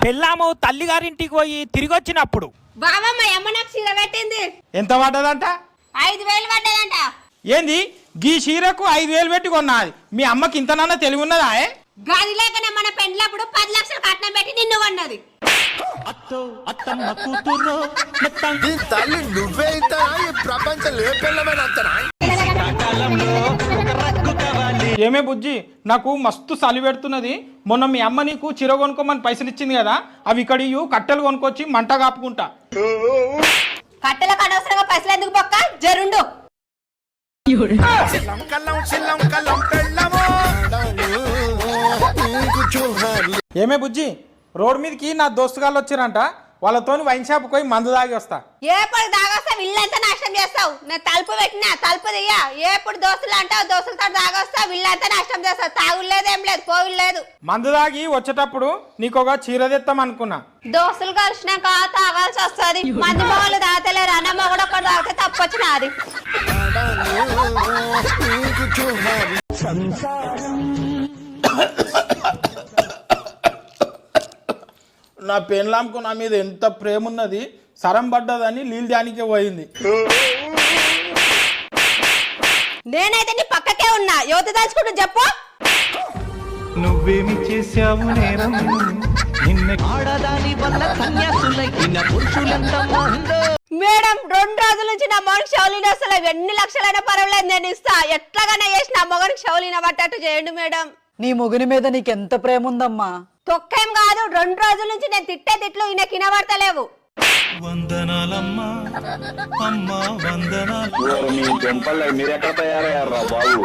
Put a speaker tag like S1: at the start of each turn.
S1: పెళ్ళాము తల్లిగారింటికి పోయి తిరిగి వచ్చినప్పుడు
S2: బావమ్మ అమ్మ నాకు చీర పెట్టింది.
S3: ఎంత పడ్డదంట?
S2: 5,000 పడ్డదంట.
S3: ఏంది గీ చీరకు 5,000 పెట్టి కొన్నది? మీ అమ్మకి ఇంతనన్నా తెలివి ఉన్నదా?
S2: గది లేకనే మన పెండ్లప్పుడు 10 లక్షలు కట్నం పెట్టి నిన్ను కొన్నది.
S4: తల్లి నువ్వే ఇస్తానా? ఈ ప్రపంచం ఏ పిల్లమైన
S3: ఏమే బుజ్జి, నాకు మస్తు చలి పెడుతున్నది. మొన్న మీ అమ్మ నీకు చీర కొనుక్కోమని పైసలు ఇచ్చింది కదా, అవి ఇక్కడ కట్టెలు కొనుక్కొచ్చి మంట కాపుకుంటా.
S2: కట్టెలకు అనవసరంగా పైసలు ఎందుకు పక్క జరుండు.
S3: ఏమే బుజ్జి, రోడ్ మీదకి నా దోస్తుగాళ్ళు వచ్చిరంట, వాళ్ళతోని వైన్ షాప్ పోయి మందు తాగి వస్తా.
S2: ఎప్పుడు దాగొస్తావు ఇల్లంతా నాశనం చేస్తావు. నేను తలుపు పెట్టినా తలుపు దియ్యా. ఎప్పుడు దోస్తులు అంటావు, దోస్తులతో దాగొస్తావు ఇల్లంతా నాశనం చేస్తావు. తాగులేదు ఏం లేదు, పోవులు లేదు.
S3: మందు తాగి వచ్చేటప్పుడు నీకు ఒక చీర తెస్తాం అనుకున్నా.
S2: దోస్తులు కలిసినాక తాగాల్సి వస్తుంది. మంది మొగలు తాగలేరు, అన్న మొగడు ఒకటి తాగితే తప్పొచ్చినది.
S3: నా పెన్లాంకు నా మీద ఎంత ప్రేమ ఉన్నది, సరం పడ్డదని నీళ్ళు దానికే పోయింది.
S2: నేనైతే నీ పక్కకే ఉన్నా. యువత దాచుకుంటూ చెప్పు.
S5: నువ్వేమి చేశావు నేరం, నిన్న ఆడదాని వల్ల కన్యాసులైన పురుషులంతా.
S2: మేడం 2 రోజుల నుంచి నా మొగనికి షౌలిన వస్తలే. ఎన్ని లక్షలైనా పర్వాలేదు, నేను ఇస్తా. ఎట్లాగానే చేసి నా మొగనికి షౌలిన పట్టట్టు చేయండి మేడం.
S6: నీ మొగుని మీద నీకెంత ప్రేమ ఉందమ్మా.
S2: తొక్కేం కాదు, 2 రోజుల నుంచి నేను తిట్టే తిట్లు ఈయన కినబడతలేవు.
S5: వందనాలమ్మా అమ్మా వందనాలు.
S7: మీ టెంపల్ మీరెక్కడ తయారయ్యారా బాబు?